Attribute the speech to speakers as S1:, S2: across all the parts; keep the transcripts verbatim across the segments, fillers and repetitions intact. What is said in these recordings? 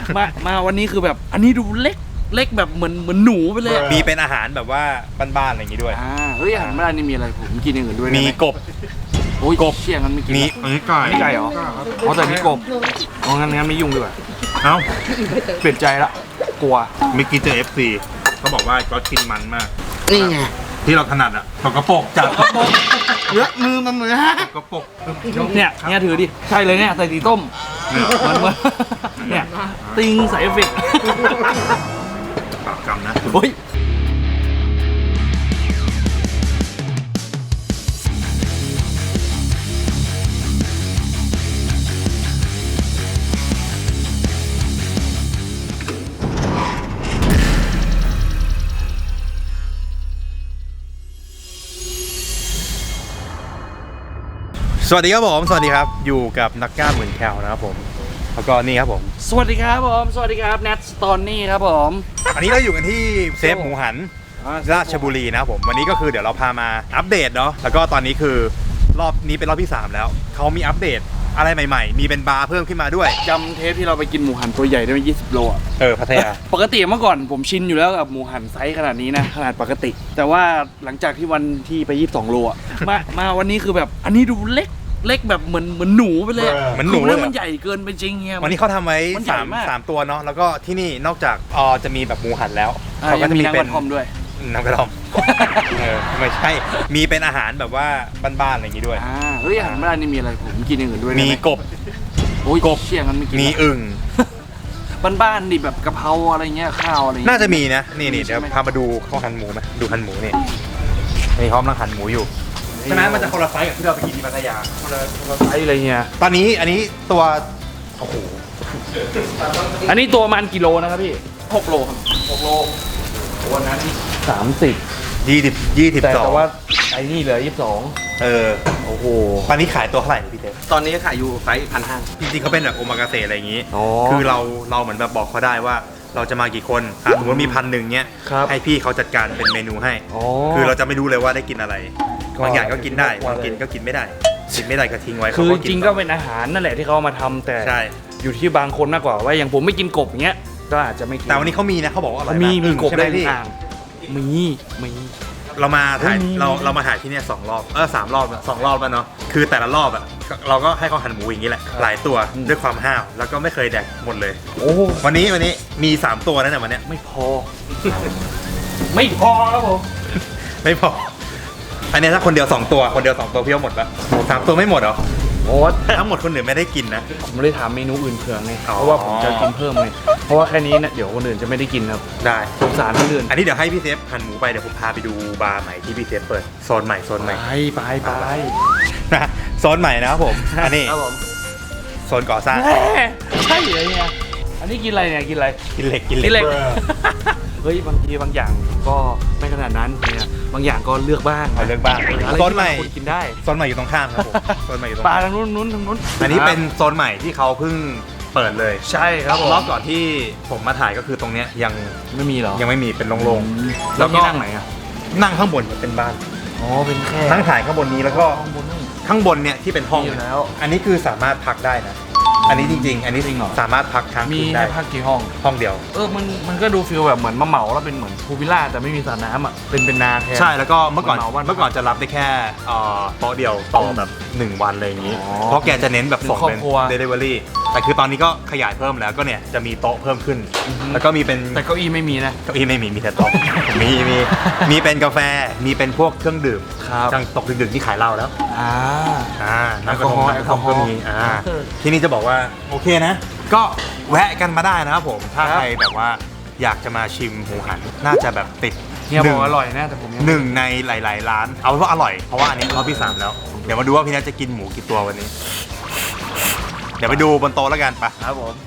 S1: มามาวันนี้คือแบบอันนี้ดูเล็กเล็กแบบเหมือนเหมือนหนูไปเลย
S2: มีเป็นอาหารแบบว่าบ้านๆอะไรอย่างงี้ด้วย
S1: อ่าเฮ้ยอาหารบ้านนี่มีอะไรผมกินอย่างอื่นด้วย
S2: มีกบ
S1: โอ้ยกบเชี่ยงั้นไม่กิน
S2: มีมีไก่
S1: มีไก่เหรออ๋อแต่มีกบอ๋องั้นงั้นไม่ยุ่งดีกว่า
S2: เอ้า
S1: เปลี่ยนใจละกลัว
S2: มิกกี้เจอ เอฟ ซี เขาบอกว่าก็กินมันมาก
S1: นี่ไง
S2: ที่เราถนัดอ่ะตกกระปกจับกระปก
S1: เยอะมือมันเหมือนฮะ
S2: กระปก
S1: เนี่ยเนี่ยถือดิใช่เลยเนี่ยใส่ตีต้มเหมือนเหมือนเนี่ยติงใส่เอฟเฟกต์
S2: ปากกำนะ
S1: โอ้ย
S2: สวัสดีครับผมสวัสดีครับอยู่กับนักกล้ามเหมือนแคลนะครับผมแล้วก็นี่ครับผม
S1: สวัสดีครับผมสวัสดีครับแนทสตอนนี่ครับผม
S2: อันนี้เราอยู่กันที่เซฟหมูหันราชบุรีนะครับผมวันนี้ก็คือเดี๋ยวเราพามาอัปเดตเนาะแล้วก็ตอนนี้คือรอบนี้เป็นรอบที่สามแล้วเขามีอัปเดตอะไรใหม่ๆมีเป็นบาร์เพิ่มขึ้นมาด้วย
S1: จำเทปที่เราไปกินหมูหันตัวใหญ่ได้ไหมยี่สิบโลอ่ะ
S2: เออพัทยา
S1: ปกติเมื่อก่อนผมชินอยู่แล้วกับหมูหันไซส์ขนาดนี้นะขนาดปกติแต่ว่าหลังจากที่วันที่ไปยี่สิบสองโลอ่ะมามาวันนี้คือแบบอันนี้ดูเล็กเล็กแบบเหมือนเหมือนหนูไปเลย
S2: เหมือนหนูเลย
S1: มันใหญ่เกินไปจริงเงี้ย
S2: วันนี้เขาทำไว้สามสามตัวเนาะแล้วก็ที่นี่นอกจากอ๋อจะมีแบบหมูหันแล้ว
S1: เขาก็จะมีเป็นน้ำกระท่อมด้วย
S2: น้ำกระท่อมเออไม่ใช่มีเป็นอาหารแบบว่าบ้านๆอะไรอย่างงี้ด้วย
S1: อ่าเฮ้ยอาหารบ้านนี่มีอะไรผมกินอย่างอื่นด้วย
S2: มีกบ
S1: โอ้ยกบเชี่ยงั้นไม่กิน
S2: มีอึ่ง
S1: บ้านๆดิแบบกะเพราอะไรเงี้ยข้าวอะไร
S2: น่าจะมีนะนี่นี่เดี๋ยวพามาดูเขาหั่นหมูไหมดูหั่นหมูนี่นี่เขากำลังหั่นหมูอยู่ฉะนั้นมันจะคนละไซส์กับที่เราไปกินที่พัทยา
S1: คนละคนละไซส์อะไรเงี้ย
S2: ตอนนี้อันนี้ตัวโอ้โห
S1: อันนี้ตัวมันกิโลนะครับพี่หกโลครับหกโลวันนั้นสามสิบ
S2: ยี่สิบยี่สิบสอง
S1: แต่ว่าไอ้นี่เหลือยี่สิบสอง
S2: เออ
S1: โอ้โห
S2: ตอนนี้ขายตัวเท่าไหร่พี่เต้
S1: ตอนนี้ขายอยู่ไซส์พันห้า
S2: จริงๆเขาเป็นแบบโอมากาเสะอะไรอย่างงี้คือเราเราเหมือนแบบบอกเขาได้ว่าเราจะมากี่คนสมมติมีพันหนึ่งเนี้ยให้พี่เขาจัดการเป็นเมนูให้คือเราจะไม่รู้เลยว่าได้กินอะไรบางอย่างก็กินได้บางกินก็กินไม่ได้กินไม่ได้ก็ทิ้งไว้
S1: คือจริงก็เป็นอาหารนั่นแหละที่เขามาทำแต่อยู่ที่บางคนมากกว่าว่าอย่างผมไม่กินกบอย่างเงี้ยก็อาจจะไม่
S2: แต่วันนี้เขามีนะเขาบอกว่าอร่อย
S1: มีมีกบได้ที่มีมี
S2: เรามาถ่ายเราเรามาถ่ายที่นี่สองรอบเออสามรอบสองรอบแล้วเนาะคือแต่ละรอบอ่ะเราก็ให้เขาหั่นหมูอย่างนี้แหละหลายตัวด้วยความห้าวแล้วก็ไม่เคยแดกหมดเลย
S1: โอ้
S2: วันนี้วันนี้มีสามตัวนั่นแหละวันนี้
S1: ไม่พอไม่พอครับผม
S2: ไม่พออันนี้ถ้าคนเดียวสองตัวคนเดียวสองตัวพี่เอาหมดแล้วสามตัวไม่หมดเหรอ
S1: โอ้
S2: ทั้งหมดคนอื่นไม่ได้กินนะ
S1: ผมไม่ได้ทำเมนูอื่นเผื่อไงเพราะว่าผมจะกินเพิ่มไงเพราะว่าแค่นี้เนี่ยเดี๋ยวคนอื่นจะไม่ได้กินครับ
S2: ได้
S1: สงสารคนอื่น
S2: อันนี้เดี๋ยวให้พี่เซฟหั่นหมูไปเดี๋ยวผมพาไปดูบาร์ใหม่ที่พี่เซฟเปิดโซนใหม่โซนใหม่
S1: ไปไปไป
S2: นะโซนใหม่นะครับผมอันนี้
S1: ครับผม
S2: โซนก่อสร้าง
S1: ใช่เลยเนี่ยอันนี้กินอะไรเนี่ยกินอะไร
S2: กินเหล็กกิน
S1: เหล็กเฮ้ยบางทีบางอย่างก็ไม่ขนาดนั้นเนี่ยบางอย่างก็เลือกบ้าง
S2: เลือกบ้างโซนใหม่
S1: กินได้
S2: โซนใหม่อยู่ตรงข้ามครับผมโซนใหม่อยู่ตรง
S1: ปลาทางนู้นนู้นทางนู้น
S2: อันนี้เป็นโซนใหม่ที่เขาเพิ่งเปิดเลย
S1: ใช่ครับ
S2: รอบก่อนที่ผมมาถ่ายก็คือตรงเนี้ยยัง
S1: ไม่มีหรอ
S2: ยังไม่มีเป็นโล่งๆ
S1: แล้วก็นั่งไหนอ่ะ
S2: นั่งข้างบนเป็นบ้าน
S1: อ๋อเป็นแค่
S2: ทั้งถ่ายข้างบนนี้แล้วก็ข้างบนเนี่ยที่เป็นห้อง
S1: แล้ว
S2: อันนี้คือสามารถพักได้นะอันนี้จริงๆอันนี้สามารถพักค้าง
S1: คืนได้มีพักกี่ห้อง
S2: ห้องเดียว
S1: เออมันมันก็ดูฟีลแบบเหมือนมาเหมาแล้วเป็นเหมือนพูลวิลล่าแต่ไม่มีสระน้ำอ่ะเป็นเป็นนาแทน
S2: ใช่แล้วก็เมื่อก่อนเมื่อก่อนจะรับได้แค่โต๊ะเดียวต่อแบบหนึ่งวันอะไรอย่างนี้เพราะแกจะเน้นแบบส่งเป็น delivery แต่คือตอนนี้ก็ขยายเพิ่มแล้วก็เนี่ยจะมีโต๊ะเพิ่มขึ้นแล้วก็มีเป็น
S1: แต่เก้าอี้ไม่มีนะ
S2: เก้าอี้ไม่มีมีแต่โต๊ะมีมีมีเป็นกาแฟมีเป็นพวกเครื่องดื่มจังตกดึกๆที่ขายเหล้าแล้ว
S1: อ่า
S2: อ่าน้ำกระท่อมน้ำกระท่อมก็มีอ่าที่นี่จะบอกว่าโอเคนะก็แวะกันมาได้นะครับผมถ้าใครแบบว่าอยากจะมาชิมหมูหันน่าจะแบบติด
S1: เนี่ยบอกอร่อยนะแต่ผม
S2: หนึ่งในหลายๆร้านเอาเป็นว่าอร่อยเพราะว่าอันนี้รอบที่สามแล้วเดี๋ยวมาดูว่าพี่นัทจะกินหมูกี่ตัววันนี้เดี๋ยวไปดูบนโต๊ะแล้วกันปะ
S1: ครับผม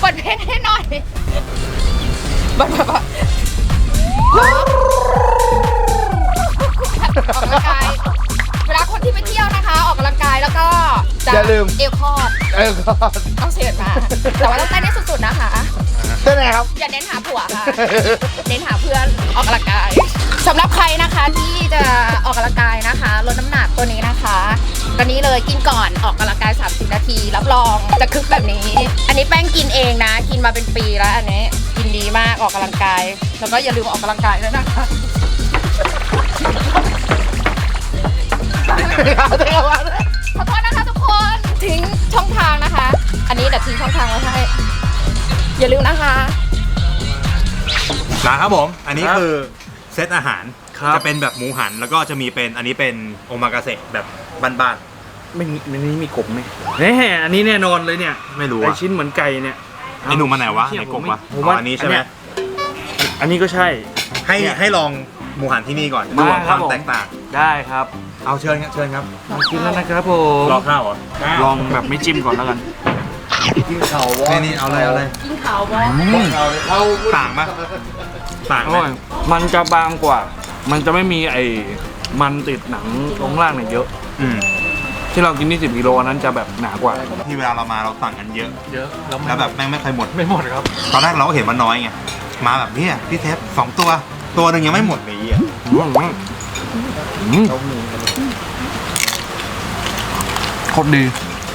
S3: ปิดเพลงให้หน่อยบัดบัดบัดออกกำลังกายเวลาคนที่ไปเที่ยวนะคะออกกำลังกายแล้วก็จะ
S4: อย่าลืม
S3: เอวคอด
S4: เออก็
S3: ต้องเสียดมาแต่ว่าต้องเต้นให้สุดๆนะคะ
S4: เต้นไงครับ
S3: อย่าเน้นหาผัวค่ะ เน้นหาเพื่อนออกกำลังกายสำหรับใครนะคะที่จะออกกำลังกายนะคะลดน้ำหนักตัวนี้นะคะตัวนี้เลยกินก่อนออกกำลังกายสามสิบนาทีรับรองจะคึกแบบนี้ อันนี้แป้งกินเองนะ กินมาเป็นปีแล้วอันนี้กินดีมากออกกำลังกายแล้วก็อย่าลืมออกกำลังกายด้วยนะคะขอโทษนะคะทุกคนทิ้งช่องทางนะคะ อันนี้เดี๋ยวทิ้งช่องทางไว้ให้อย่าลืมนะคะ
S2: นะครับผมอันนี้คือเซตอาหาร
S1: ครับ
S2: จะเป็นแบบหมูหันแล้วก็จะมีเป็นอันนี้เป็นโอมากาเสะแบบบ้าน
S1: ไม่มีไม่นี้มีกบไหมแน่อันนี้แน่นอนเลยเนี่ย
S2: ๆไม่รู้
S1: ไอ
S2: อะ
S1: ชิ้นเหมือนไก่เนี่ย
S2: ไอหนุ่มมาไหนวะ
S1: เชี่ย
S2: ไหนกบวะ
S1: ผม
S2: อ๋
S1: ว่า
S2: ออันนี้ใช่ไหม
S1: อันเนี้ย อันนี้ก็ใช่
S2: ให้
S1: เนี่ย
S2: ให้ลองหมูหันที่นี่ก่อน
S1: มา
S2: ดูค
S1: ครั
S2: วา
S1: บ
S2: ม
S1: ผม
S2: แตกต่าง
S1: ได้ครับ
S2: เอาเชิญครับเชิญครับ
S1: มากินแล้วนะครับผม
S2: รอข้าวเหรอ
S1: ลองแบบไม่จิ้มก่อนแล้วกัน
S4: กินเขาวะ
S2: นี่นี่เอาเลยเอาเลย
S3: กินขาวบอ
S4: เขาเขา
S2: ต่างปะต่าง
S1: อ
S2: ไหม
S1: ร่อยมันจะบางกว่า มันจะไม่มีไอ้มันติดหนังตรงล่างเนี่ยเยอะ
S2: อืม
S1: ที่เรากินที่สิบกิโลอันนั้นจะแบบหนากว่า
S2: ที่เวลาเรามาเราสั่งกันเยอะ
S1: เยอะ
S2: แล้วแบบแม่งไม่เคยหมด
S1: ไม่หมดครับ
S2: ตอนแรกเราก็เห็นมันน้อยไงมาแบบเนี้ยพี่เทปสองตัวตัวหนึ่งยังไม่หมดเลยอ่ะ
S1: อืมอืมโคตรดี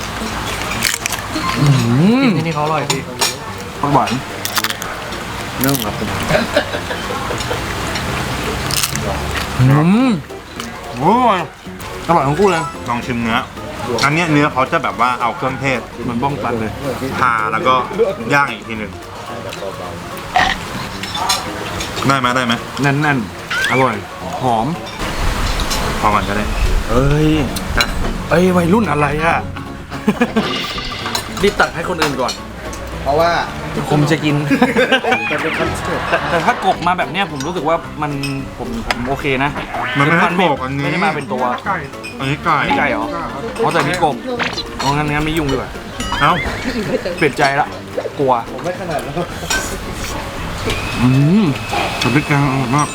S1: อืมที่นี่เขาอร่อยพี่ผักหวานเนื้อครับอืมโอ้ยอร่อยทั้งคู่เลย
S2: ลองชิมเนื้ออันเนี้ยเนื้อเขาจะแบบว่าเอาเครื่องเทศ
S1: มันบ้องตันเลย
S2: ทาแล้วก็ย่างอีกทีหนึ่งได้ไหมได้ไหม
S1: แน่นๆ อร่อย หอม
S2: พอก่อนก็ได้
S1: เอ้ย
S2: นะ
S1: เอ้ยวัยรุ่นอะไรอ่ะ รีบตักให้คนอื่นก่อน
S4: เพราะว่า
S1: ผมจะกิน
S4: จะเป็นคอนเสิร์ต
S1: แต่ถ้ากบมาแบบเนี้ยผมรู้สึกว่ามันผมผมโอเคนะ
S2: มันไม่ให้
S1: ไม่
S2: โขกอันนี้
S1: ไม่ได้มาเป็นตัว
S2: อันนี้ไก่
S1: นี่ไก่เหรออ๋อแต่นี่กบอ๋องั้นงั้นไม่ยุ่งดีกว่า
S2: เอ้า
S1: เปลี่ยนใจละกลัว
S4: ผมไม่ขนาดนั้น
S1: อืมสำนึกกลางอร่อยมาก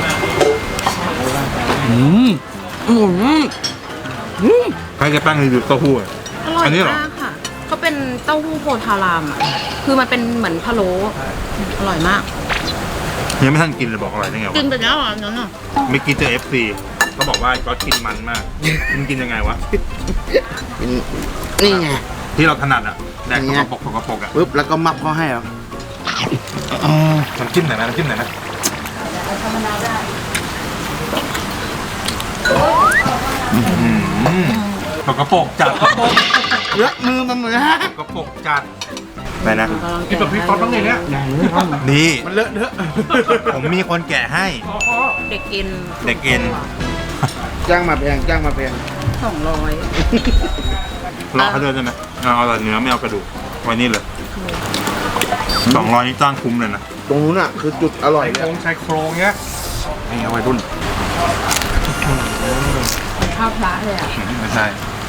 S1: อืมอืมอืม
S2: ใครจะแป้งรีวิวเต้าหู้อะ
S5: อร่อย
S2: อันนี้เหรอ
S5: มากค่ะเขาเป็นเต้าหู้โพธารามอ่ะ คือมันเป็นเหมือนพะโล้อร่อยมาก
S2: ยังไม่ทันกินเลยบอกอร่อยได้ไง
S5: กิ
S2: วะ
S5: นไปแล้วอ่ะนั่นอ่ะ
S2: ไม่กินเจอ เอฟ ซี เขาบอกว่าก็กินมันมากกินกินยังไงวะ
S4: นี่ไง
S2: ที่เราถนัดอะแดก
S4: อย่าง
S2: ก
S4: เงี้ย
S2: ระปกกระปกอะ
S4: ปึ๊บแล้วก็มับเขาให้เหรอ
S2: น้ำจิ้มไหนอยนะน้ำจิ้มไหนอยนะอืมกระปกจัดกระปก
S4: เลือกมือมันเหมือนฮะ
S2: กระปกจัดไปนะ
S1: กินแบบพริกซอสบ้างเลยเนี่ย
S2: นี่
S4: มันเลอะเทอะ
S2: ผมมีคนแกะให้
S5: เด็กเอ็น
S2: เด็กเอ็น
S4: จ้างมาแพงจ้างมาแพง
S5: สองร้อย
S2: รอเขาเดินได้ไหมเอาเอาแต่เนื้อไม่เอากระดูกไว้นี่เลยสองร้อยนี่จ้างคุ้มเลยนะ
S4: ตรงนู้นอ่ะคือจุดอร่อยเลย
S1: ชายโครงเงี้ยนี่เอาวัยรุ่น
S5: ข้าวพระเลยอ่ะ
S2: ไม่ใช่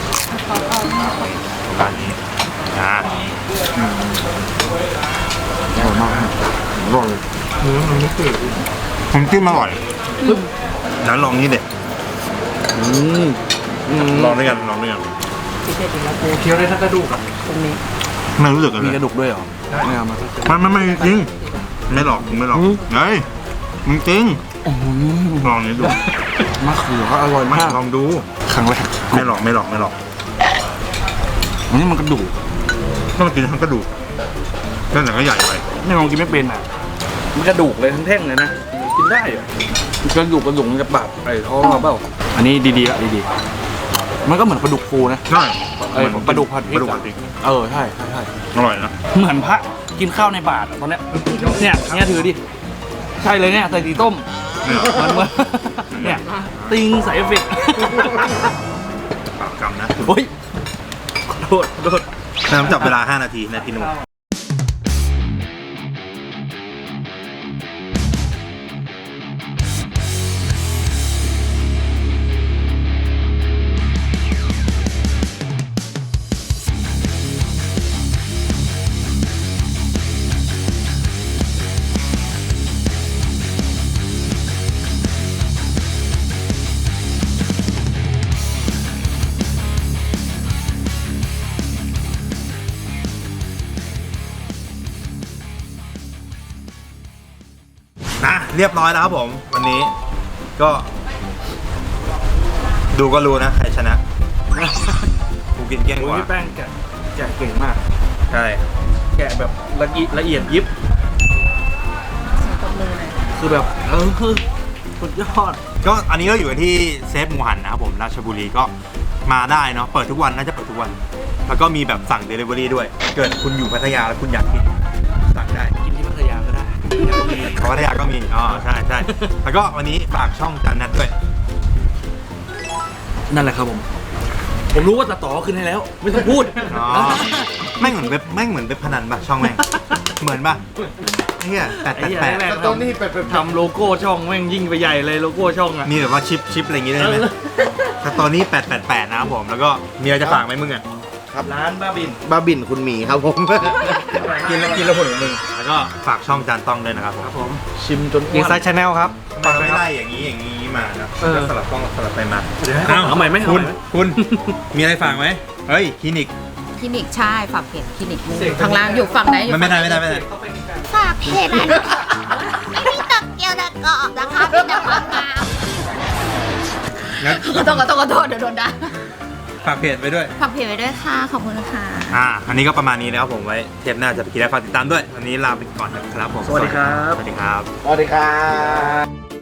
S2: ร้านนี้อ่า
S1: อร่อยมากอร่อย
S2: ผมจิ้มอร่อยแล้วลองนี่เด็ด
S1: อืมอืม
S2: ลองด้วยกันลองด้วยกัน
S1: เคี้ยวได้ทั้งกระดูกอ่ะ
S2: ไม่รู้สึกกัน
S1: มี
S2: เล
S1: ก
S2: ย
S1: ระดูกด้วยเหรอไม่เอามา
S2: มันมันไม่จริงไม่หลอกมึงไม่หลอก
S1: อืม
S2: เฮ้ยมึงจริง
S1: โอ้โห
S2: ลองนี้ดู
S1: มะเขือก็อร่อย
S2: ไม่
S1: มาก
S2: ลองดู
S1: ครั้งแรก
S2: ไม่หลอกไม่หลอกไม่หลอก
S1: อันนี้มันกระดูก
S2: ต้องกินทั้งกระดูกนั่นแต่ก็ใหญ่ไป
S1: ไม่ลองกินไม่เป็นอ่ะมันกระดูกเลยทั้งแท่งเลยนะกินได้เหรอกระดูกกระดูกมันจะบาดไอ้ท้องเราเปล่าอันนี้ดีๆละดีๆมันก็เหมือนปลาดุกฟูนะ
S2: ใช่
S1: เออปลาดุกผัดพริ
S2: ป
S1: ก
S2: ลาดุกผัดพริก
S1: เออใช่ใช่ใช่
S2: อร่อยนะ
S1: เหมือนพระกินข้าวในบาทอะตอนเนี้ยเนี่ยเนี่ยถือดิใช่เลยเนี่ยใส่ตีต้ม
S2: เนี่ย
S1: เหมือนเหมือนเนี่ยติงใส่เอฟเฟกต์
S2: ปากกำนะ
S1: โอ้ยขอโทษขอโทษ
S2: น้ำจับเวลาห้านาทีนะพี่นุ่มเรียบร้อยแล้วครับผมวันนี้ก็ ดูก็รู้นะใครชนะกูกินเกลี้ยงก
S1: โอ้ย
S2: ว่า
S1: พี่แป้งแกะแกะเก่งมาก
S2: ใช่
S1: แกะแบบละเอียดละเอียดยิบ
S5: ตบมือหน่อย
S1: คือแบบเออสุดยอด
S2: ก็อันนี้เราอยู่กันที่เซฟหมูหันนะครับผมราชบุรีก็มาได้เนาะเปิดทุกวันน่าจะเปิดทุกวัน แล้วก็มีแบบสั่ง Delivery ด้วย เกิดคุณอยู่พัทยาแล้วคุณอยากกินสั่งได้
S1: กินที่พัทยาก็ได้
S2: เขาพัทยาก็มีอ๋อใช่ใช่แล้วก็วันนี้ฝากช่องจานนัดด้วย
S1: นั่นแหละครับผม ผมรู้ว่าตัดต่อขึ้นให้แล้ว ไม่ต้องพูด
S2: อ๋อแม่งเหมือนเว็บแม่งเหมือนเว็บพนันป่ะช่องแม่งเหมือนป่ะเฮียแปด
S1: ไอ้
S2: แปด
S1: เหี้ย
S2: แปด
S1: แรก
S4: ตอนนี้ไปไป
S1: ทำโลโก้ช่องแม่งยิ่งไปใหญ่เลยโลโก้ช่องอะ
S2: มีแบบว่าชิปชิปอะไรอย่างงี้ได้ไหมสตอรี่แปดแปดแปดนะครับผมแล้วก็มีอะไรจะฝากไหมมึงอ่ะ
S1: ร้านบ้าบิน
S4: บ้าบินคุณหมีครับผม
S2: กินแล้วกินแล้วผลของมึงแล้วก็ฝากช่องจานต้องด้วยนะครับผม
S1: ครับผม ชิมจน
S6: เกียร์ไซด์ชาแนลครับ
S2: ทำไมไม่ไล่อย่างนี้อย่างนี้มานะ
S1: เออ
S2: ก็สลับกล้องสลับไปมา
S1: เดี๋ยวให้เขาเอาใหม่ไหมเอา
S2: คุณ
S1: ใหม่ไหม
S2: คุณมีอะไรฝากไหมเฮ้ยคลินิก
S5: คลินิกใช่ฝากเพจคลินิกอยู่ข้างล่างอยู่ฝั่งไหนอยู่
S2: มันไม่ได้ไม่ได้ไม่ได้
S3: ฝากเพจอันไม่มีตะเกียวตะกอบนะคะมีแต่ความงาม
S2: งั้น
S5: ขอโทษขอโทษขอโทษเดี๋ยวโดนด่า
S2: ฝากเพจไปด้วย
S5: ฝากเพจไว้ด้วยค่ะขอบคุณค่ะ
S2: อ่าอันนี้ก็ประมาณนี้นะครับผมไว้เทปหน้าจะไปกินอะไรฝากติดตามด้วยวันนี้ลาไปก่อนนะครับผม
S1: สวัสดีครับ
S2: สวัสดีครับ
S4: สวัสดีครับ